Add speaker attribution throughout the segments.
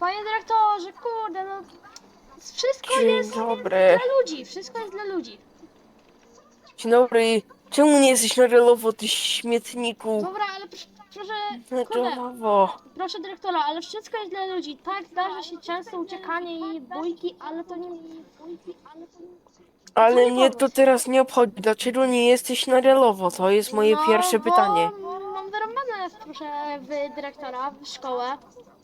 Speaker 1: Panie dyrektorze, kurde, no wszystko
Speaker 2: Dzień
Speaker 1: jest
Speaker 2: dobry.
Speaker 1: dla ludzi, wszystko jest dla ludzi.
Speaker 2: Dzień dobry. Czemu nie jesteś na relowo, ty śmietniku?
Speaker 1: Dobra, ale proszę,
Speaker 2: Na
Speaker 1: kurde,
Speaker 2: relowo.
Speaker 1: proszę dyrektora, ale wszystko jest dla ludzi. Tak, zdarza się często uciekanie i bójki, ale to nie... To co
Speaker 2: Ale
Speaker 1: nie
Speaker 2: mnie to
Speaker 1: powód.
Speaker 2: teraz nie obchodzi. Dlaczego nie jesteś na relowo? To jest moje
Speaker 1: No,
Speaker 2: pierwsze
Speaker 1: bo
Speaker 2: pytanie.
Speaker 1: mam wyrąbane, proszę, w dyrektora, w szkołę.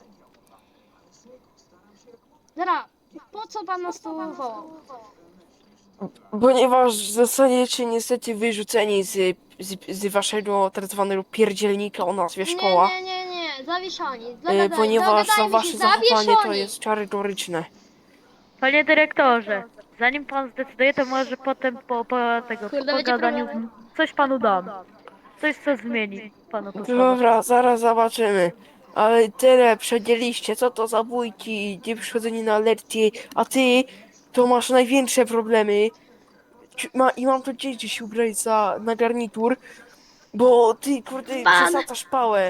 Speaker 1: Dobra, po co pan nas tu wołał?
Speaker 2: Ponieważ zostaniecie niestety wyrzuceni z waszego tak zwanego pierdzielnika o nazwie
Speaker 1: Nie,
Speaker 2: szkoła.
Speaker 1: nie, nie, nie, zawieszoni.
Speaker 2: Ponieważ za
Speaker 1: Dogadajmy się,
Speaker 2: wasze zachowanie to
Speaker 1: zawieszoni.
Speaker 2: jest karygoryczne.
Speaker 3: Panie dyrektorze, zanim pan zdecyduje, to może potem po
Speaker 1: Kurde, będzie
Speaker 3: pogadaniu
Speaker 1: problemy.
Speaker 3: coś panu dam. Coś, co zmieni panu postawę.
Speaker 2: Dobra, zaraz zobaczymy. Ale tyle przedzieliście, co to za bójki, nie przychodzenie na lekcje, a ty to masz największe problemy. I mam tu dzieci się ubrać na garnitur, bo ty kurde
Speaker 1: Pan!
Speaker 2: przesadzasz pałę.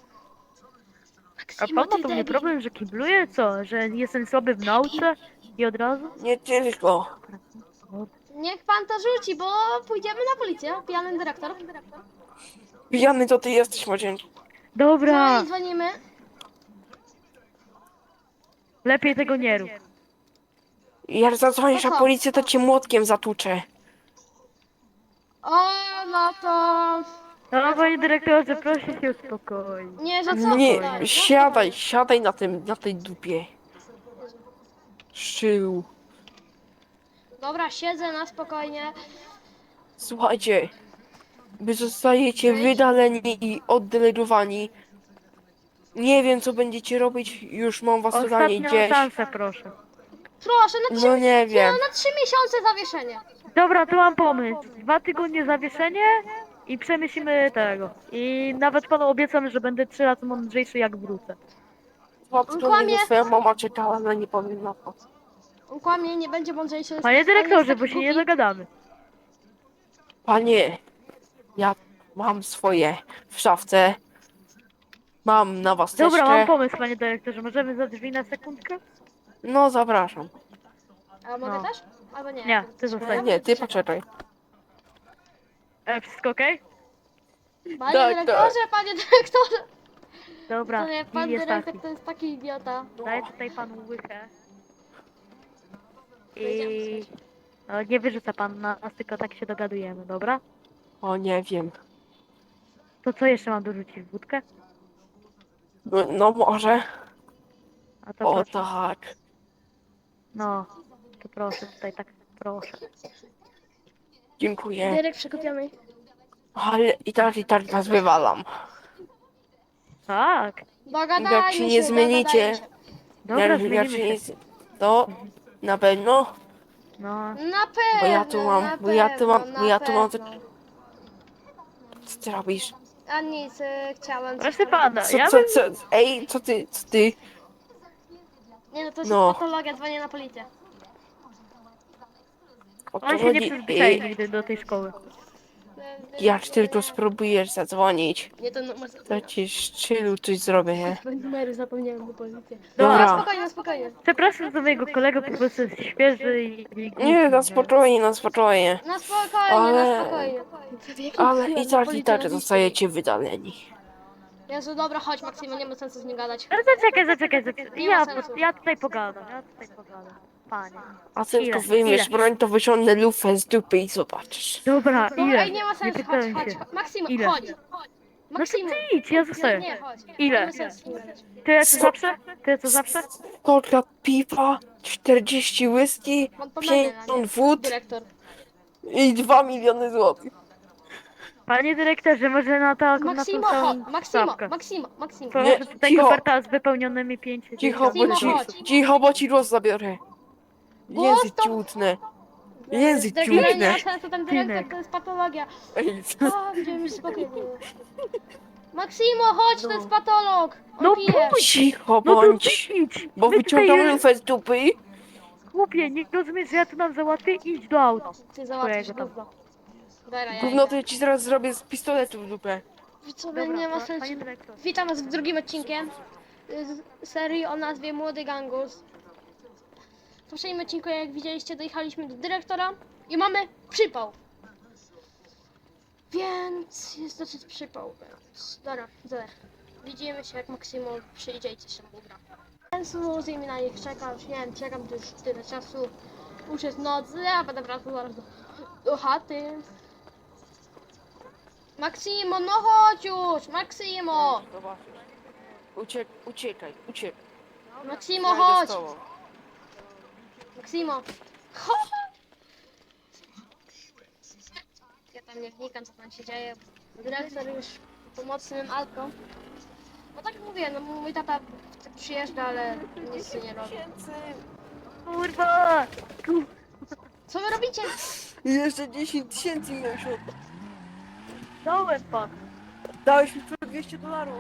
Speaker 3: A
Speaker 1: Maksimo,
Speaker 3: pan ma
Speaker 1: ty
Speaker 3: do mnie
Speaker 1: debil.
Speaker 3: problem, że kibluje? Co? Że jestem słaby w
Speaker 1: Debil.
Speaker 3: nauce? I od razu?
Speaker 2: Nie tylko.
Speaker 1: Niech pan to rzuci, bo pójdziemy na policję. Pijany dyrektor.
Speaker 2: Pijany to ty jesteś, młodzieńczy.
Speaker 3: Dobra,
Speaker 1: Dzwonimy.
Speaker 3: lepiej tego nie rób.
Speaker 2: Jak
Speaker 1: To
Speaker 2: zadzwonisz na
Speaker 1: co?
Speaker 2: policję, to cię młotkiem zatłuczę.
Speaker 1: O, no to...
Speaker 3: No, panie dyrektorze, proszę się uspokoić.
Speaker 1: Nie, że co?
Speaker 2: Nie,
Speaker 1: Dobra, no
Speaker 2: siadaj,
Speaker 1: spokojnie.
Speaker 2: siadaj na tej dupie.
Speaker 1: Jezu.
Speaker 2: Szczył.
Speaker 1: Dobra, siedzę na spokojnie.
Speaker 2: Słuchajcie, wy zostajecie
Speaker 1: Wyjdź.
Speaker 2: wydaleni i oddelegowani. Nie wiem, co będziecie robić, już mam was totalnie
Speaker 3: Ostatnią
Speaker 2: gdzieś.
Speaker 3: szansę, proszę.
Speaker 1: Proszę,
Speaker 2: No nie wiem.
Speaker 1: na 3 miesiące zawieszenie.
Speaker 3: Dobra, to mam pomysł. 2 tygodnie zawieszenie i przemyślimy tego. I nawet panu obiecam, że będę 3 razy mądrzejszy jak wrócę.
Speaker 2: Dwa
Speaker 1: On
Speaker 2: tygodnie,
Speaker 1: kłamie.
Speaker 2: że twoja mama czekała, ale nie powiem na to.
Speaker 1: On kłamie, nie będzie mądrzejszy.
Speaker 3: Panie
Speaker 1: On jest
Speaker 3: dyrektorze,
Speaker 1: taki
Speaker 3: bo się nie
Speaker 1: głupi.
Speaker 3: dogadamy.
Speaker 2: Panie, ja mam swoje w szafce. Mam na was
Speaker 3: Dobra, mam
Speaker 2: teczkę.
Speaker 3: pomysł, panie dyrektorze. Możemy za drzwi na sekundkę?
Speaker 2: No, zapraszam.
Speaker 1: A mogę
Speaker 3: No.
Speaker 1: też? Albo nie.
Speaker 3: Nie, ty
Speaker 1: Coś
Speaker 3: zostań.
Speaker 2: Nie, ty
Speaker 1: Czekaj.
Speaker 2: poczekaj.
Speaker 3: Wszystko okej?
Speaker 1: Panie
Speaker 2: Tak,
Speaker 1: dyrektorze, panie dyrektorze.
Speaker 3: Dobra,
Speaker 1: To nie,
Speaker 3: deal
Speaker 1: pan
Speaker 3: jest
Speaker 1: dyrektor
Speaker 3: taki.
Speaker 1: to jest taki idiota.
Speaker 3: Daję tutaj panu łychę.
Speaker 1: Wyjdziemy
Speaker 3: I...
Speaker 1: sobie.
Speaker 3: No, nie wyrzuca pan nas, tylko tak się dogadujemy, dobra?
Speaker 2: O, nie wiem.
Speaker 3: To co jeszcze mam dorzucić? Wódkę?
Speaker 2: No może.
Speaker 3: A to
Speaker 2: O
Speaker 3: proszę.
Speaker 2: tak.
Speaker 3: No, to proszę, tutaj tak, proszę.
Speaker 2: Dziękuję.
Speaker 1: Dyrek przekopiony.
Speaker 2: Ale i tak was wywalam.
Speaker 3: Tak,
Speaker 2: Jak się
Speaker 1: Dogadajmy
Speaker 2: nie
Speaker 1: się,
Speaker 2: zmienicie,
Speaker 1: dogadajmy się.
Speaker 3: dobra,
Speaker 2: jak
Speaker 3: zmienimy
Speaker 2: się nie,
Speaker 3: się.
Speaker 2: to na pewno,
Speaker 3: No,
Speaker 1: Na
Speaker 2: bo ja tu
Speaker 1: pewno,
Speaker 2: mam,
Speaker 1: na
Speaker 2: bo ja tu
Speaker 1: pewno,
Speaker 2: mam, bo
Speaker 1: na
Speaker 2: ja tu mam,
Speaker 1: pewno.
Speaker 2: co ty robisz?
Speaker 1: A nic, chciałem coś
Speaker 3: proszę pana,
Speaker 2: Co,
Speaker 3: ja
Speaker 2: co,
Speaker 3: bym...
Speaker 2: co, ej, co ty?
Speaker 1: Nie no, to jest
Speaker 2: No,
Speaker 1: patologia, dzwonię na policję.
Speaker 2: o to
Speaker 3: On się nie
Speaker 2: chodzi.
Speaker 3: przyzwyczai nigdy do tej szkoły.
Speaker 2: Jak tylko spróbujesz zadzwonić,
Speaker 1: Nie, to numer
Speaker 2: to
Speaker 1: zapomniałem.
Speaker 2: ci szczylu coś zrobię, nie?
Speaker 1: Numery zapomniałem na policję.
Speaker 3: Dobra.
Speaker 1: No,
Speaker 2: Dobra.
Speaker 1: spokojnie, spokojnie.
Speaker 3: Przepraszam za mojego kolegę, po prostu jest świeży i głupi.
Speaker 2: Nie, na spokojnie, na spokojnie.
Speaker 1: Na spokojnie, na
Speaker 2: Ale,
Speaker 1: spokojnie. Jaki
Speaker 2: ale
Speaker 1: numer
Speaker 2: i
Speaker 1: na
Speaker 2: tak, i
Speaker 1: policję
Speaker 2: tak
Speaker 1: na
Speaker 2: zostajecie wydaleni.
Speaker 1: Jezu, dobra, chodź Maksymo, nie ma sensu z nim gadać.
Speaker 3: No zaczekaj.
Speaker 1: Nie ma
Speaker 3: Ja,
Speaker 1: sensu.
Speaker 3: ja tutaj pogadam, Panie.
Speaker 2: A ty tylko
Speaker 3: Ile?
Speaker 2: wyjmiesz broń, to wyciągnę lufę z dupy i zobaczysz.
Speaker 3: Dobra,
Speaker 1: Dobra,
Speaker 3: ile?
Speaker 1: ej, nie ma sensu, chodź,
Speaker 3: pytałem
Speaker 1: chodź.
Speaker 3: się.
Speaker 1: Maksymo,
Speaker 3: Ile?
Speaker 1: chodź.
Speaker 3: No to
Speaker 1: Maksymo.
Speaker 3: ty idź, ja zostaję.
Speaker 1: Nie, chodź.
Speaker 3: Ile?
Speaker 1: Nie ma sensu z nim gadać.
Speaker 3: Tyle co zawsze? Tyle co zawsze?
Speaker 2: Kolka piwa, 40 whisky,
Speaker 1: Pan pomylę, a
Speaker 2: 50
Speaker 1: nie
Speaker 2: wód
Speaker 1: dyrektor.
Speaker 2: i 2 miliony złotych.
Speaker 3: Panie dyrektorze, może na tą
Speaker 1: Maksymo, chodź.
Speaker 3: całą
Speaker 1: Maksymo,
Speaker 3: stawkę.
Speaker 1: Maksymo, Maksymo.
Speaker 2: Nie,
Speaker 3: Proszę tutaj
Speaker 2: cicho.
Speaker 3: koperta z wypełnionymi 50
Speaker 1: Maksimo, chodź.
Speaker 2: Cicho, bo ci głos zabiorę.
Speaker 1: Głos
Speaker 2: Język
Speaker 1: to-
Speaker 2: ci utnę. Język ci
Speaker 1: Dyrektor, nie
Speaker 2: utnę.
Speaker 1: ma sensu, ten dyrektor to jest patologia.
Speaker 2: Ej,
Speaker 1: O, będziemy już spokojnie. Maksimo, chodź, to jest patolog. On
Speaker 3: No
Speaker 1: pije.
Speaker 3: pójdź!
Speaker 2: cicho
Speaker 3: No to
Speaker 2: bądź,
Speaker 3: ty idź!
Speaker 2: bo
Speaker 3: My
Speaker 2: wyciągam
Speaker 3: tutaj,
Speaker 2: lufę z dupy.
Speaker 3: Chłopie, nie rozumiesz, że ja tu nam załatwię? Idź do auta.
Speaker 1: Ty załatwisz
Speaker 3: Twojego tam.
Speaker 1: gówno. Dobra, ja
Speaker 2: Gówno to
Speaker 1: idę.
Speaker 2: ja ci zaraz zrobię z pistoletu w dupę.
Speaker 1: Co,
Speaker 3: Dobra,
Speaker 1: nie ma sensu.
Speaker 3: panie dyrektor.
Speaker 1: Witam was w drugim odcinkiem. z serii o nazwie Młody Gangus. W poprzednim odcinku, jak widzieliście, dojechaliśmy do dyrektora i mamy przypał. Więc jest dosyć przypał, więc dobra. Widzimy się, jak Maksimo przyjdzie i coś się ugra. Więc z na nich czekam, już nie wiem, czekam tu już tyle czasu. Już jest noc, ja będę wracał zaraz do chaty. Maksimo, no chodź już! Maksimo!
Speaker 2: Zobaczysz. Uciekaj.
Speaker 1: Maksimo,
Speaker 2: Ja idę z
Speaker 1: chodź!
Speaker 2: tobą.
Speaker 1: Maksimo! Chodź! Ja tam nie wnikam, co tam się dzieje. Dyrektor już pomocnym Alko. No tak jak mówię, no mój tata przyjeżdża, ale nic nie robi.
Speaker 3: Kurwa!
Speaker 1: Co wy robicie?
Speaker 2: Jeszcze 10 tysięcy minął się.
Speaker 3: Dałem pan.
Speaker 2: Dałeś mi tylko $200.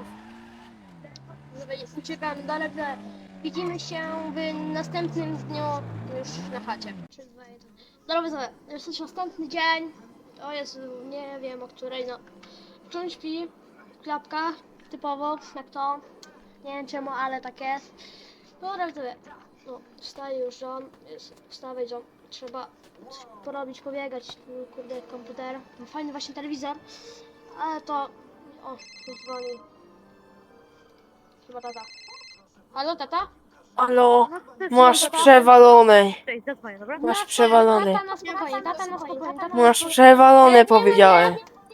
Speaker 1: Uciekamy dalej, widzimy się w następnym dniu już na chacie. Dobra, widzowie, jest już następny dzień. To jest, nie wiem o której, no. Wciąż śpi, klapka, typowo, jak to. Nie wiem czemu, ale tak jest. Dobra, widzowie, no, wstaje już John, wstawaj John. Trzeba coś porobić, pobiegać, kurde, komputer. Fajny właśnie telewizor, ale to, o, już dzwoni. Chyba tata. Halo, tata?
Speaker 2: Halo,
Speaker 3: No, ty
Speaker 2: masz
Speaker 3: tata?
Speaker 2: przewalone.
Speaker 3: Cześć, zadzwonię, dobra?
Speaker 2: Masz przewalone.
Speaker 1: Tata na spokojnie, tata na spokojnie, tata na
Speaker 2: Masz
Speaker 1: spokojnie.
Speaker 2: przewalone, powiedziałem.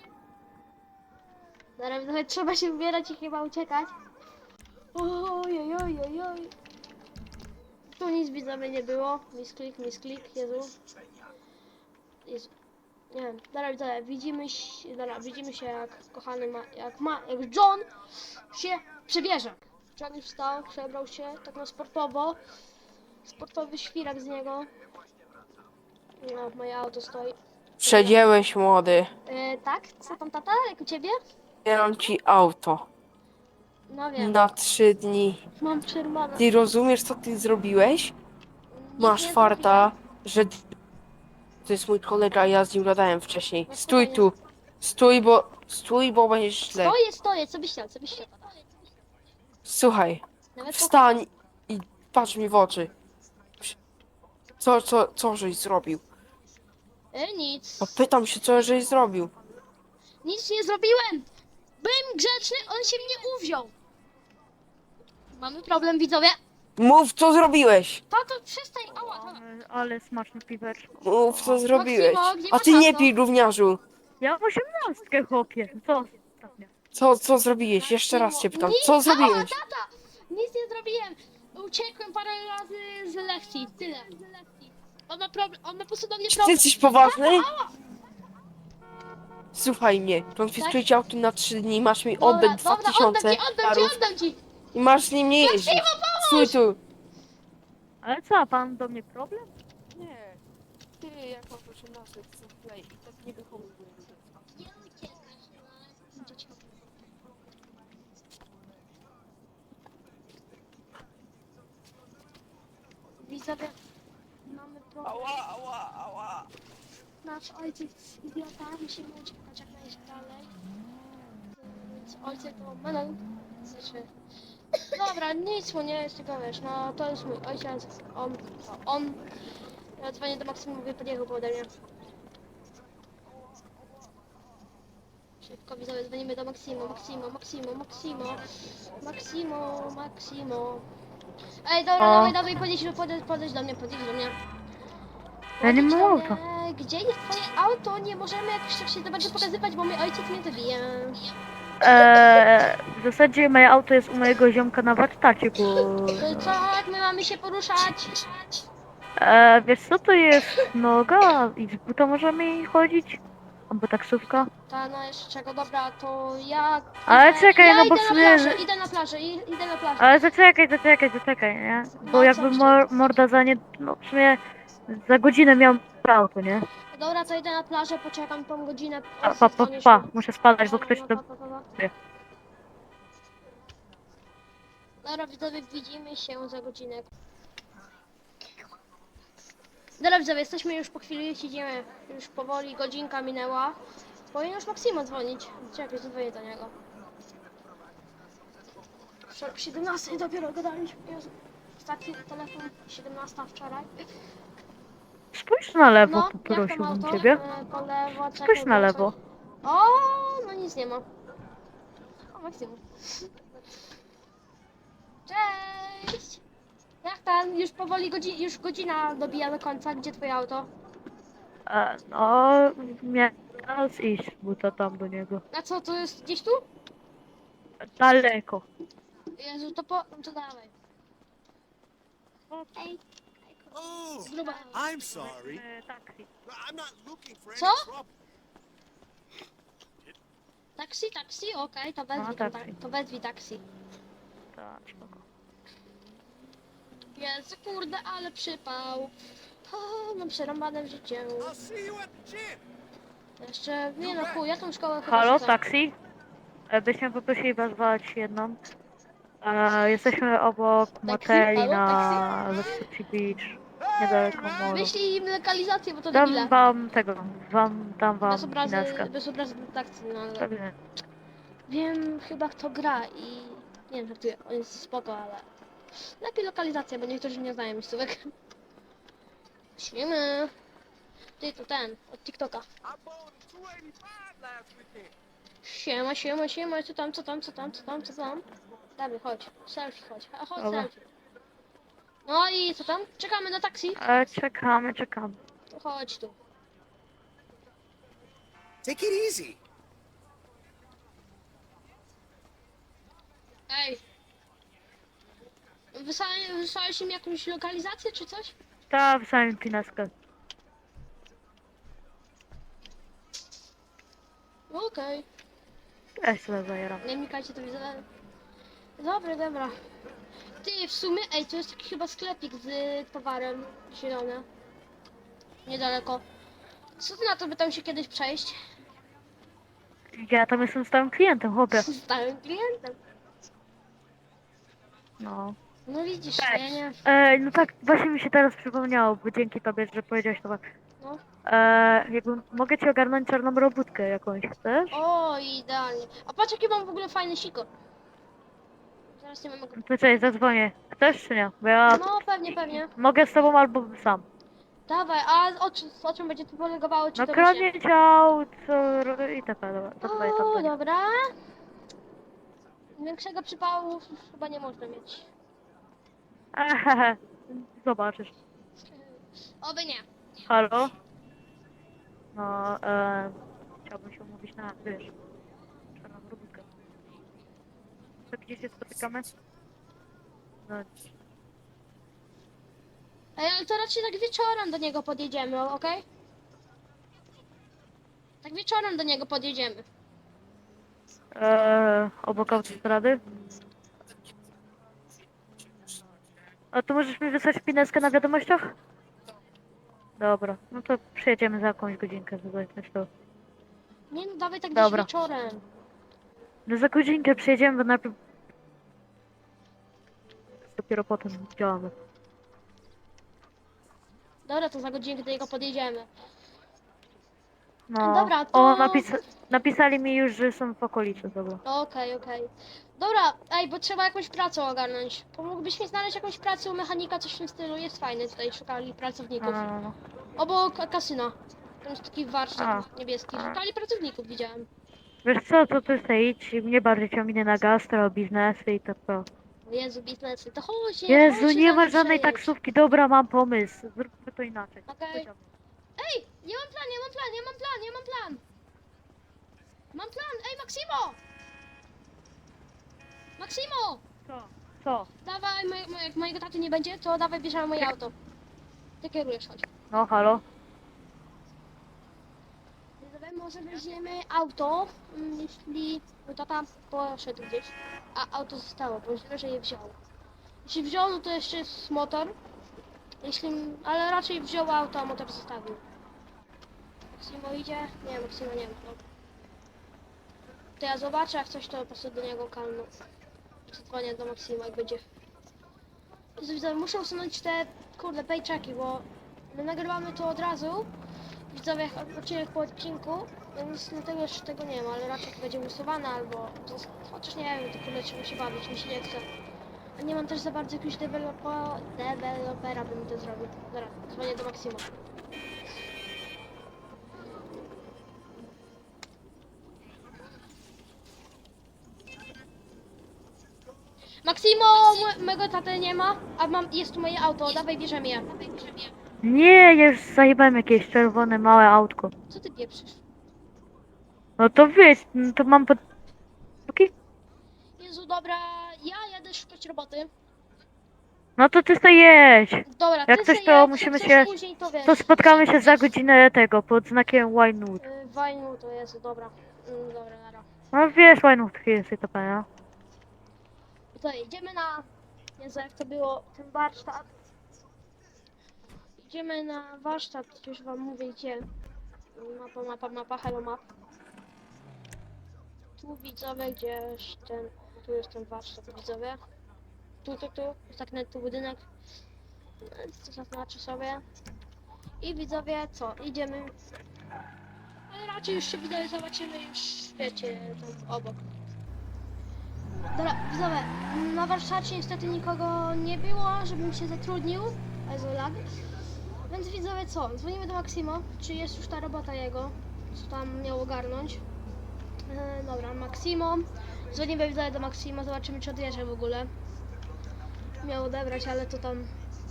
Speaker 1: Zaraz trochę trzeba się ubierać i chyba uciekać. Oj. Tu nic widzowie nie było. Misklik, Jezu. Nie wiem, dobra widzowie, widzimy się jak kochany jak John się przebierze. John już wstał, przebrał się tak na sportowo. Sportowy świrak z niego. No, moje auto stoi.
Speaker 2: Przedziałeś, młody.
Speaker 1: Tak? Co tam tata? Jak u ciebie?
Speaker 2: Bieram ci auto.
Speaker 1: No wiem,
Speaker 2: Na 3 dni.
Speaker 1: mam przerwane.
Speaker 2: Ty rozumiesz, co ty zrobiłeś?
Speaker 1: Nic
Speaker 2: Masz
Speaker 1: nie
Speaker 2: farta, że to jest mój kolega, a ja z nim gadałem wcześniej.
Speaker 1: No
Speaker 2: Stój tu. Stój, bo będziesz źle.
Speaker 1: Stoję, co byś chciał, tata?
Speaker 2: Słuchaj,
Speaker 1: Nawet
Speaker 2: wstań i patrz mi w oczy. Co żeś zrobił?
Speaker 1: Nic.
Speaker 2: No pytam się, co żeś zrobił.
Speaker 1: Nic nie zrobiłem. Byłem grzeczny, on się mnie uwziął. Mamy problem, widzowie.
Speaker 2: Mów, co zrobiłeś.
Speaker 1: Tato, przestań, ała, tata.
Speaker 3: Ale smaczne piweczko.
Speaker 2: Mów, co zrobiłeś.
Speaker 1: Maksimo, gdzie
Speaker 2: A
Speaker 1: masz
Speaker 2: ty nie
Speaker 1: auto?
Speaker 2: pij, gówniarzu.
Speaker 3: Ja mam 18, chłopie. Co ostatnio?
Speaker 2: Co zrobiłeś? Jeszcze raz cię pytam.
Speaker 1: Nic,
Speaker 2: Co
Speaker 1: ała,
Speaker 2: zrobiłeś?
Speaker 1: tata. Nic nie zrobiłem. Uciekłem parę razy z lekcji, tyle. On ma problem, on ma po prostu do mnie
Speaker 2: Czy ty
Speaker 1: problem.
Speaker 2: jesteś poważny? Słuchaj mnie. Konfiskuję ci auto na 3 dni. Masz mi oddać
Speaker 1: Dobra,
Speaker 2: 2000
Speaker 1: oddam ci.
Speaker 2: i masz z nim nie jeździć. Stój tu.
Speaker 3: Ale co, a pan do mnie problem?
Speaker 2: Nie. Ty jak masz 18 chcę play i tak nie wychowuję.
Speaker 1: Widzowie, mamy problem.
Speaker 2: Ała.
Speaker 1: Nasz ojciec jest idiota, musimy uciekać jak najdalej. Więc ojciec to menel. Znaczy... Dobra, nic mu nie jest, tylko wiesz, no to jest mój ojciec. On. Ja dzwonię do Maksymu, mówię, podjechał po ode mnie. Szybko widzowie, dzwonimy do Maksimo. Ej, dobra,
Speaker 3: O.
Speaker 1: dawaj, podejdź do mnie.
Speaker 3: Ja nie
Speaker 1: Podejdź
Speaker 3: mam
Speaker 1: do
Speaker 3: auta.
Speaker 1: mnie. Gdzie jest twoje auto? Nie możemy jakoś tak się to będzie pokazywać, bo mój ojciec mnie zabije.
Speaker 3: W zasadzie moje auto jest u mojego ziomka na warsztacie, bo...
Speaker 1: Co, jak my mamy się poruszać?
Speaker 3: Wiesz co, to jest noga i z buta możemy chodzić? Albo taksówka?
Speaker 1: Ta, no jeszcze czego, dobra, to ja...
Speaker 3: Ale czekaj,
Speaker 1: ja
Speaker 3: no bo
Speaker 1: idę
Speaker 3: w
Speaker 1: na
Speaker 3: sumie-
Speaker 1: plażę, idę na plażę.
Speaker 3: Ale zaczekaj, nie? Bo
Speaker 1: No,
Speaker 3: jakby
Speaker 1: co
Speaker 3: morda za nie... No w sumie za godzinę miałem auto, nie?
Speaker 1: Dobra, to idę na plażę, poczekam tą godzinę.
Speaker 3: Muszę spadać, bo ktoś to... wie.
Speaker 1: Dobra, widzowie, widzimy się za godzinę. Dobra, widzowie, jesteśmy już po chwili, siedzimy już powoli, godzinka minęła. Powinien już Maksimo dzwonić. Czekaj, zadzwonię do niego. O 17 dopiero gadaliśmy. Jezu. Ostatni telefon 17 wczoraj.
Speaker 3: Spójrz na lewo,
Speaker 1: No, jak tam
Speaker 3: poprosiłbym
Speaker 1: auto?
Speaker 3: ciebie.
Speaker 1: Po lewo,
Speaker 3: Spójrz
Speaker 1: czekaj,
Speaker 3: na
Speaker 1: bo
Speaker 3: lewo.
Speaker 1: coś- O, no nic nie ma. O, maksimum. Cześć! Jak tam? Już powoli już godzina dobija do końca. Gdzie twoje auto?
Speaker 3: No, miałem teraz iść, bo to tam do niego.
Speaker 1: A co, to jest gdzieś tu?
Speaker 3: Daleko.
Speaker 1: Jezu, to dawaj. Ej,
Speaker 4: Oh,
Speaker 1: gruba.
Speaker 4: I'm sorry.
Speaker 3: Taksi.
Speaker 4: I'm not looking for any
Speaker 1: Co?
Speaker 4: trouble.
Speaker 1: Taksi, okej, to wezwij,
Speaker 3: taksi.
Speaker 1: to wezwij taksi.
Speaker 3: Tak, spoko.
Speaker 1: Jezu, kurde, ale przypał. O, mam przerąbane w życiu.
Speaker 4: I'll see you at the gym.
Speaker 1: Jeszcze, nie no chuj, ja tą szkołę chyba
Speaker 3: Halo,
Speaker 1: rzucę.
Speaker 3: taksi? Byśmy poprosili wezwać jedną. Jesteśmy obok moteli
Speaker 1: Halo,
Speaker 3: na Lesotho Beach, niedaleko moru.
Speaker 1: Wyślij im lokalizację, bo to debile.
Speaker 3: Dam wam tego, dam wam
Speaker 1: Bez obrazy,
Speaker 3: pineskę.
Speaker 1: bez obrazy taksi, no ale...
Speaker 3: Pewnie.
Speaker 1: Wiem chyba kto gra i... Nie wiem, żartuję, on jest spoko, ale... Lepiej lokalizacja, bo niektórzy nie znają miejscówek. Śmiemy. Ty, to ten, od TikToka.
Speaker 4: I bowled 285 last weekend.
Speaker 1: Siema, co tam? Dawaj, chodź, selfie chodź, chodź
Speaker 3: Dobra.
Speaker 1: selfie. No i co tam? Czekamy na taksi?
Speaker 3: Czekamy.
Speaker 1: To chodź tu.
Speaker 4: Take it easy.
Speaker 1: Ej. Wysłałeś im jakąś lokalizację czy coś?
Speaker 3: Ta wysłałem pineskę.
Speaker 1: Okej.
Speaker 3: Ja się sobie zajeram.
Speaker 1: Nie wnikajcie, to widzę. Dobra. Ty, w sumie, ej, to jest taki chyba sklepik z towarem zielony. Niedaleko. Co ty na to, by tam się kiedyś przejść?
Speaker 3: Ja tam jestem stałym klientem, chłopie.
Speaker 1: Z stałym klientem.
Speaker 3: No.
Speaker 1: No widzisz,
Speaker 3: Tak.
Speaker 1: ja nie...
Speaker 3: No tak, właśnie mi się teraz przypomniało, bo dzięki tobie, że powiedziałeś to tak.
Speaker 1: No.
Speaker 3: Jakby mogę ci ogarnąć czarną robótkę jakąś, chcesz?
Speaker 1: O, idealnie. A patrz, jaki mam w ogóle fajny sikor. Zaraz nie mam go...
Speaker 3: To cześć, zadzwonię. Chcesz czy nie? Bo ja
Speaker 1: No, pewnie.
Speaker 3: mogę z tobą albo sam.
Speaker 1: Dawaj, a o czym będzie to polegowało? Czy
Speaker 3: No
Speaker 1: to właśnie...
Speaker 3: kradnie ciał, co i tak, dobra, zadzwonię tam do
Speaker 1: O,
Speaker 3: niej.
Speaker 1: dobra. Większego przypału chyba nie można mieć.
Speaker 3: Ehehe, zobaczysz.
Speaker 1: Oby nie.
Speaker 3: Halo? No, chciałbym się umówić na, wiesz, czarną robótkę. To gdzie się spotykamy? No,
Speaker 1: Ej, ale to raczej tak wieczorem do niego podjedziemy, okej? Tak wieczorem do niego podjedziemy.
Speaker 3: obok autostrady? A to możesz mi wysłać pineskę na wiadomościach? Dobra, no to przyjedziemy za jakąś godzinkę, zobaczyć to.
Speaker 1: Nie no, dawaj tak gdzieś
Speaker 3: Dobra.
Speaker 1: wieczorem.
Speaker 3: No za godzinkę przyjedziemy, bo najpierw... Dopiero potem działamy.
Speaker 1: Dobra, to za godzinkę do niego podjedziemy.
Speaker 3: No.
Speaker 1: Dobra, to-
Speaker 3: O, napisali mi już, że są w okolicy, dobra.
Speaker 1: Okej. Dobra, ej, bo trzeba jakąś pracę ogarnąć. Pomógłbyś mi znaleźć jakąś pracę u mechanika, coś w tym stylu? Jest fajny, tutaj szukali pracowników.
Speaker 3: No.
Speaker 1: Obok kasyna. Tam jest taki warsztat niebieski.
Speaker 3: A.
Speaker 1: Szukali pracowników, widziałem.
Speaker 3: Wiesz co, to ty sobie idź, mnie bardziej ciągnie na gastro, biznesy i tak to.
Speaker 1: O Jezu, biznesy, to chodź,
Speaker 3: Jezu,
Speaker 1: chodź się
Speaker 3: nie
Speaker 1: za
Speaker 3: ma
Speaker 1: mną
Speaker 3: żadnej
Speaker 1: przejedź.
Speaker 3: taksówki, dobra, mam pomysł. Zróbmy to inaczej.
Speaker 1: Okej.
Speaker 3: Chodź za mną.
Speaker 1: Ej, ja mam plan. Mam plan, ej Maksimo! Maksimo!
Speaker 3: Co?
Speaker 1: Dawaj, jak mojego taty nie będzie, to dawaj bierzemy moje auto. Ty kierujesz, chodź.
Speaker 3: No, halo?
Speaker 1: Dawaj, może weźmiemy auto, jeśli mój tata poszedł gdzieś, a auto zostało, bo źle, że je wziął. Jeśli wziął, no to jeszcze jest motor. Ale raczej wziął auto, a motor zostawił. Maksimo idzie? Nie, Maksimo nie wiem. No. To ja zobaczę, jak coś to po prostu do niego kalnę. Zadzwonię do Maksima, jak będzie. Jezu, widzowie, muszę usunąć te, kurde, paychecki, bo my nagrywamy to od razu. Widzowie, odcinek po odcinku. Więc dlatego jeszcze tego nie ma, ale raczej to będzie usuwane albo... Chociaż nie wiem, tylko trzeba się bawić, mi się nie chce. A nie mam też za bardzo jakiegoś dewelopera, by mi to zrobił. Dobra, dzwonię do Maksima. Maksimo, mego taty nie ma, a jest tu moje auto, dawaj bierzemy je.
Speaker 3: Nie, ja już zajebałem jakieś czerwone małe autko.
Speaker 1: Co ty pieprzysz?
Speaker 3: No to wiesz, no to mam pod... Okej.
Speaker 1: Jezu, dobra, ja jadę szukać roboty.
Speaker 3: No to ty sobie jedź.
Speaker 1: Dobra,
Speaker 3: Jak
Speaker 1: ty
Speaker 3: coś,
Speaker 1: se
Speaker 3: to
Speaker 1: jedź,
Speaker 3: musimy
Speaker 1: jak
Speaker 3: się-
Speaker 1: coś później, to wiesz.
Speaker 3: To spotkamy się za godzinę tego, pod znakiem Winewood.
Speaker 1: Wajnu to jest, dobra. Dobra, nara.
Speaker 3: No wiesz, Winewood jest i to pewnie.
Speaker 1: To idziemy na... Jezu, jak to było, ten warsztat. Idziemy na warsztat, już wam mówię gdzie. Mapa, hello map. Tu widzowie gdzieś ten... Tu jest ten warsztat, widzowie. Tu, jest tak tu budynek. Co zaznaczę sobie. I widzowie, co? Idziemy. Ale raczej już się widzowie zobaczymy już, wiecie, tam obok. Dobra, widzowie, na warsztacie niestety nikogo nie było, żebym się zatrudnił. Also lag. Więc widzowie, co? Dzwonimy do Maksimo, czy jest już ta robota jego, co tam miał ogarnąć. Dobra, Maksimo. Dzwonimy widzowie do Maksimo, zobaczymy czy odjeżdża w ogóle. Miał odebrać, ale to tam...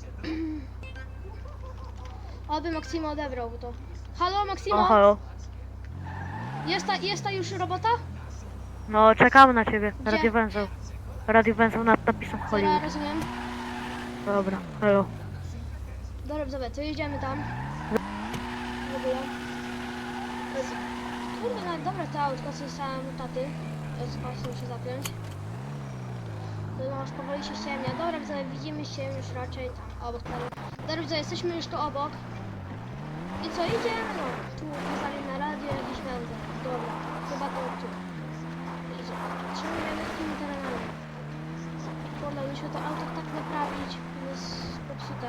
Speaker 1: Oby Maksimo odebrał to. Halo, Maksimo?
Speaker 3: O, halo.
Speaker 1: Jest ta już robota?
Speaker 3: No, czekamy na ciebie.
Speaker 1: Gdzie?
Speaker 3: Radiowęzeł. Radiowęzeł nad napisem
Speaker 1: Dobra,
Speaker 3: Hollywood.
Speaker 1: rozumiem.
Speaker 3: Dobra, halo.
Speaker 1: Dobra, dobra, to jedziemy tam. W ogóle. Jezu. Kurde, no dobra, to autko, co zostałem u taty. Muszę się zapiąć. No już powoli się ciemnia. Dobra, widzowie, widzimy się już raczej tam obok tego. Dobra, widzowie, jesteśmy już tu obok. I co, idziemy? No, tu pokazali na radio jakiś węzeł. Dobra, chyba to tu. Idzie. Trzymujemy takimi terenami. Kurde, musimy to auto tak naprawić. Jest popsute.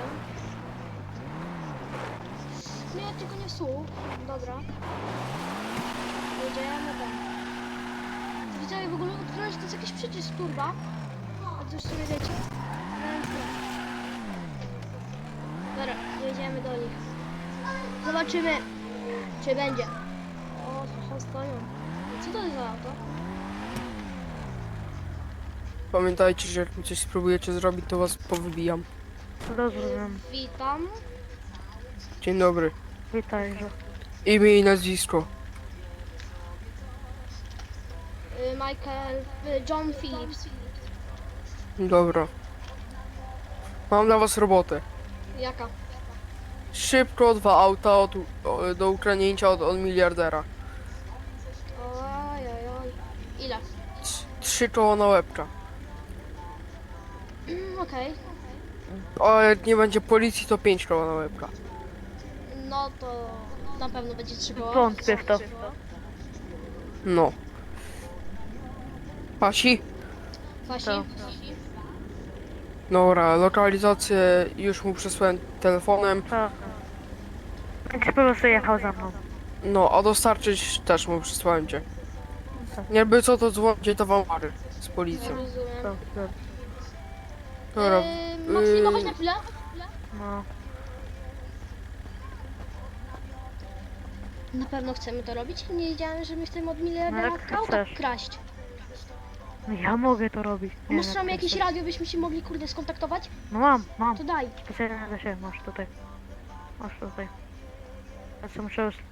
Speaker 1: Nie, tylko nie słuch. Dobra. Jedziemy tam. Widzowie, w ogóle odkryłem, że to jest jakiś przycisk turba. A to już sobie wiecie. Dobra, jedziemy do nich. Zobaczymy, czy będzie. O, stoją. Co to jest za auto?
Speaker 2: Pamiętajcie, że jak mi coś spróbujecie zrobić, to was powybijam.
Speaker 3: Rozumiem.
Speaker 1: Witam.
Speaker 2: Dzień dobry.
Speaker 3: Witajże.
Speaker 2: Imię i nazwisko.
Speaker 1: Michael, John Phillips.
Speaker 2: Dobra. Mam dla was robotę.
Speaker 1: Jaka?
Speaker 2: Szybko 2 auta do ukradnięcia od miliardera.
Speaker 1: Oj. Ile?
Speaker 2: 3 koła na łebka.
Speaker 1: Okej.
Speaker 2: A jak nie będzie policji, to 5 koła na łebka.
Speaker 1: No to na pewno będzie 3 koła.
Speaker 3: Wątpię w to.
Speaker 2: No. Pasi?
Speaker 1: Wasi?
Speaker 3: To.
Speaker 2: Dobra, lokalizację już mu przesłałem telefonem.
Speaker 3: Tak. Więc po prostu jechał za mną.
Speaker 2: No, a dostarczyć też mu przesłałem cię. Jakby co, to dzwonicie to wam pary z policją.
Speaker 1: Rozumiem.
Speaker 3: Dobrze.
Speaker 2: Dobra.
Speaker 1: Maksimo, chodź na chwilę.
Speaker 3: No.
Speaker 1: Na pewno chcemy to robić. Nie wiedziałem, że my chcemy od
Speaker 3: No
Speaker 1: miliardera
Speaker 3: jak
Speaker 1: auta
Speaker 3: chcesz.
Speaker 1: kraść.
Speaker 3: No ja mogę to robić. Nie
Speaker 1: Masz
Speaker 3: wiem,
Speaker 1: tam
Speaker 3: jak
Speaker 1: jakieś
Speaker 3: chcesz.
Speaker 1: radio, byśmy się mogli kurde skontaktować?
Speaker 3: No mam.
Speaker 1: To daj.
Speaker 3: Specjalnie dla siebie masz tutaj. Masz tutaj. Ja co muszę już...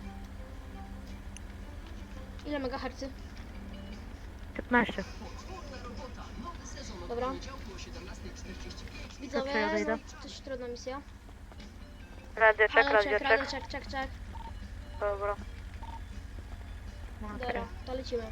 Speaker 1: Ile megahercy?
Speaker 3: 15.
Speaker 1: Dobra. Widzowie,
Speaker 3: co ja dojdę?
Speaker 1: no, dość trudna misja.
Speaker 3: Radio check,
Speaker 1: Ale
Speaker 3: radio
Speaker 1: radio
Speaker 3: check.
Speaker 1: check.
Speaker 3: Dobra. No, okej.
Speaker 1: Dobra, to lecimy.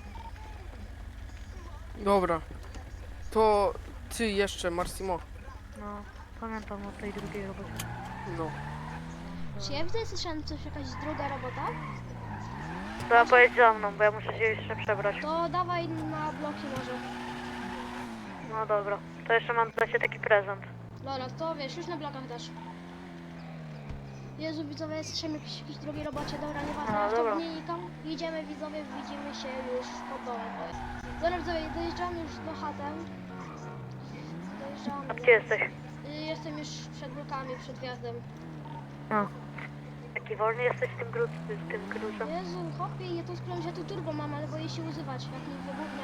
Speaker 2: Dobra. To ty jeszcze, Marsimo.
Speaker 3: No, pamiętam o tej drugiej robocie.
Speaker 2: No.
Speaker 1: Czy ja widzę, słyszałem coś, jakaś druga robota?
Speaker 3: To pojedź za mną, bo ja muszę się jeszcze przebrać.
Speaker 1: To dawaj na bloki może.
Speaker 3: No dobra. To jeszcze mam dla ciebie taki prezent.
Speaker 1: Dobra, to wiesz, już na blokach dasz. Jezu, widzowie, jesteśmy w jakiejś drugiej robocie, dobra, nieważne,
Speaker 3: A,
Speaker 1: ja
Speaker 3: dobra.
Speaker 1: to nie nikam. Jedziemy, widzowie, widzimy się już pod domem. Dobra, widzowie, dojeżdżamy już do chaty. Dojeżdżamy.
Speaker 3: A gdzie jesteś?
Speaker 1: Jestem już przed blokami, przed wjazdem.
Speaker 3: A. Taki wolny jesteś z tym gruzem?
Speaker 1: Jezu, chłopie, ja tu skręcić, ja tu turbo mam, ale boję się używać, jak mi wybuchnie.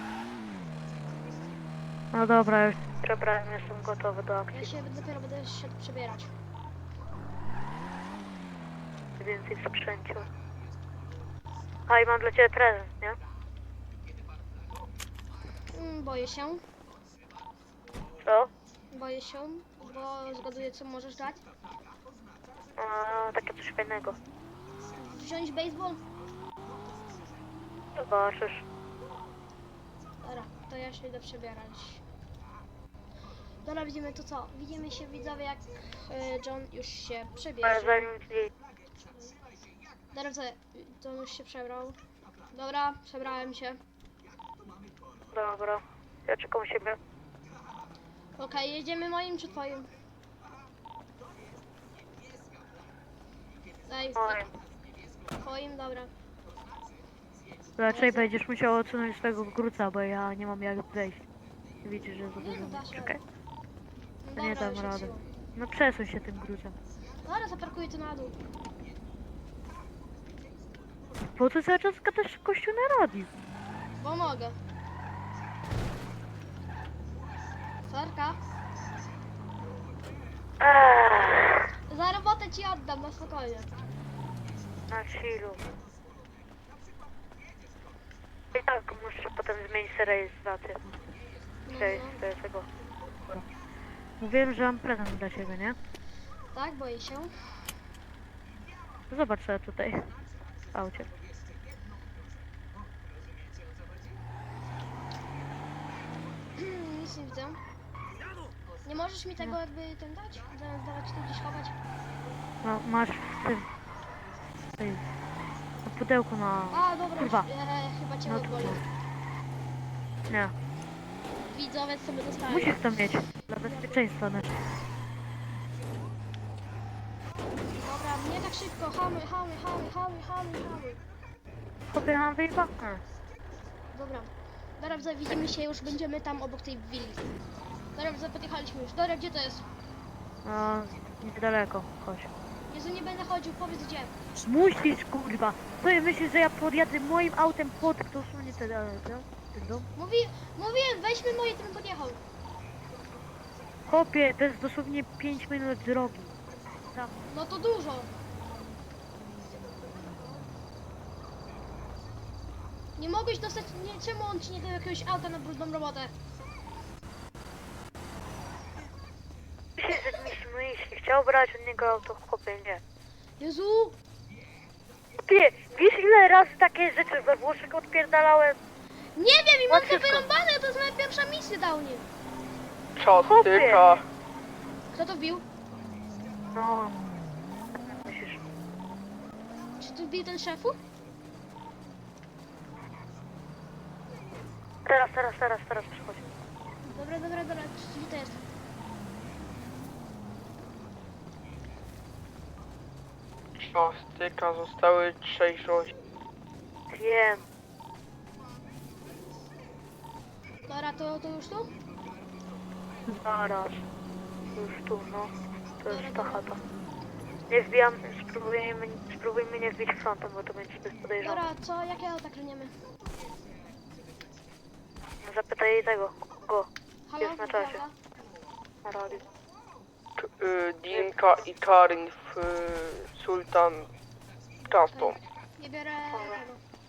Speaker 3: No dobra, już przebrałem, jestem gotowy do
Speaker 1: Ja
Speaker 3: akcji.
Speaker 1: się dopiero będę szedł przebierać.
Speaker 3: Więcej w sprzęciu. A i mam dla ciebie prezent, nie?
Speaker 1: Boję się,
Speaker 3: Co?
Speaker 1: boję się, bo zgaduję, co możesz dać.
Speaker 3: A, takie coś fajnego.
Speaker 1: Wziąć baseball?
Speaker 3: Zobaczysz.
Speaker 1: Dobra, to ja się idę przebierać. Dobra, widzimy to co? Widzimy się, widzowie, jak John już się
Speaker 3: Ale
Speaker 1: przebierze.
Speaker 3: zanim ci...
Speaker 1: Dobra, co? John już się przebrał. Dobra, przebrałem się.
Speaker 3: Dobra. Ja czekam u siebie.
Speaker 1: Okej, jedziemy moim czy twoim? Daj,
Speaker 3: Oj.
Speaker 1: twoim, dobra.
Speaker 3: Raczej będziesz musiał odsunąć swojego gruca, bo ja nie mam jak wejść. Widzisz, że
Speaker 1: Nie, no
Speaker 3: zobaczymy.
Speaker 1: dasz
Speaker 3: Czekaj.
Speaker 1: No
Speaker 3: Nie
Speaker 1: dobra,
Speaker 3: dam
Speaker 1: już
Speaker 3: rady.
Speaker 1: odsyłam.
Speaker 3: No przesuń się tym grucem.
Speaker 1: Dobra, zaparkuję tu na dół.
Speaker 3: Po co cały czas gadasz kościół na radiu?
Speaker 1: Bo mogę. Sorka, za robotę ci oddam, na spokojnie.
Speaker 3: Na chillu. I tak muszę potem zmienić rejestrację.
Speaker 1: No,
Speaker 3: Cześć,
Speaker 1: no.
Speaker 3: to jest tego. Mówiłem, że mam prezent dla ciebie, nie?
Speaker 1: Tak, boję się.
Speaker 3: Zobacz sobie tutaj. W aucie.
Speaker 1: Nic nie widzę. Nie możesz mi tego jakby ten dać? Zamiast dawać tu gdzieś chować?
Speaker 3: No, masz w tym. Tutaj. Na pudełku na...
Speaker 1: A, dobra,
Speaker 3: Kurwa.
Speaker 1: już, chyba cię
Speaker 3: No
Speaker 1: odwoli.
Speaker 3: Nie.
Speaker 1: Widzowiec sobie dostaje.
Speaker 3: Musisz to mieć. Dla bezpieczeństwa też.
Speaker 1: Dobra, nie tak szybko, hamuj.
Speaker 3: Chłopie, mam wyjebane.
Speaker 1: Dobra. Dobra, widzowie, widzimy się, już będziemy tam obok tej willi. Dobra, widzowie, podjechaliśmy już. Dobra, gdzie to jest?
Speaker 3: No, niedaleko. Chodź.
Speaker 1: Jezu, nie będę chodził, powiedz gdzie.
Speaker 3: Musisz, kurwa. Co ja myślisz, że ja podjadę moim autem pod dosłownie ten dom?
Speaker 1: Mówiłem, weźmy moje, ten podjechał.
Speaker 3: Chłopie, to jest dosłownie 5 minut drogi. Tam.
Speaker 1: No to dużo. Nie mogłeś dostać, nie, czemu on ci nie dał jakiegoś auta na brudną robotę?
Speaker 3: Myślisz, że jeśli chciał brać od niego auto, chłopie, nie.
Speaker 1: Jezu,
Speaker 3: Chłopie, wiesz ile razy takie rzeczy we Włoszech odpierdalałem?
Speaker 1: nie wiem i mam to
Speaker 3: Łatwiejsko.
Speaker 1: wyrąbane, to jest moja pierwsza misja downie.
Speaker 2: Czastyka.
Speaker 1: Kto to wbił?
Speaker 3: No. Myślisz?
Speaker 1: Czy tu wbił ten szefu?
Speaker 3: Teraz przychodź.
Speaker 1: Dobra, gdzie to jest?
Speaker 2: Czastyka zostały trzeźwości.
Speaker 3: Wiem.
Speaker 1: Dobra, to już tu?
Speaker 3: Zaraz. Już tu, no. To jest ta
Speaker 1: Dobra.
Speaker 3: chata. Nie wbijam, spróbujmy nie wbić frontem, bo to będzie zbyt podejrzane.
Speaker 1: Dobra, co, jakie auta kręcimy?
Speaker 3: Zapytaj jej tego, go,
Speaker 1: Halo?
Speaker 3: Jest na czasie.
Speaker 1: Dobra.
Speaker 3: na radiu.
Speaker 2: Dinka i Karin w Sultan Custom.
Speaker 1: Nie biorę
Speaker 3: Dobra.
Speaker 1: tego.